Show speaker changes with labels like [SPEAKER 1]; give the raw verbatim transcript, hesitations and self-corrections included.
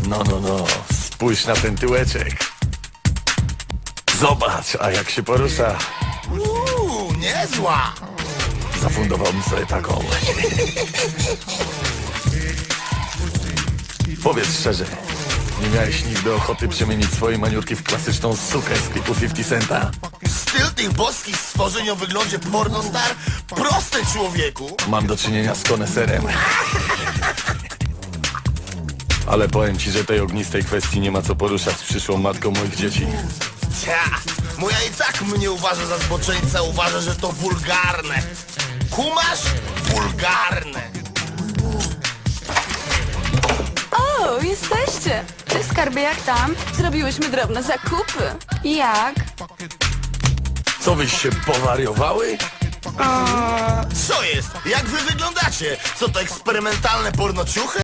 [SPEAKER 1] No, no, no, spójrz na ten tyłeczek. Zobacz, a jak się porusza.
[SPEAKER 2] Uuu, niezła.
[SPEAKER 1] Zafundowałbym sobie taką. Powiedz szczerze, nie miałeś nigdy ochoty przemienić swojej maniurki w klasyczną sukę z klipu fifty centa?
[SPEAKER 2] Styl tych boskich stworzeń o wyglądzie pornostar? Proste, człowieku.
[SPEAKER 1] Mam do czynienia z koneserem. Ale powiem ci, że tej ognistej kwestii nie ma co poruszać z przyszłą matką moich dzieci.
[SPEAKER 2] Cia, moja i tak mnie uważa za zboczeńca, uważa, że to wulgarne. Kumasz? Wulgarne.
[SPEAKER 3] O, jesteście! Cześć, skarbie, jak tam? Zrobiłyśmy drobne zakupy. Jak?
[SPEAKER 1] Co wyś się powariowały?
[SPEAKER 2] Co jest? Jak wy wyglądacie? Co to eksperymentalne pornociuchy?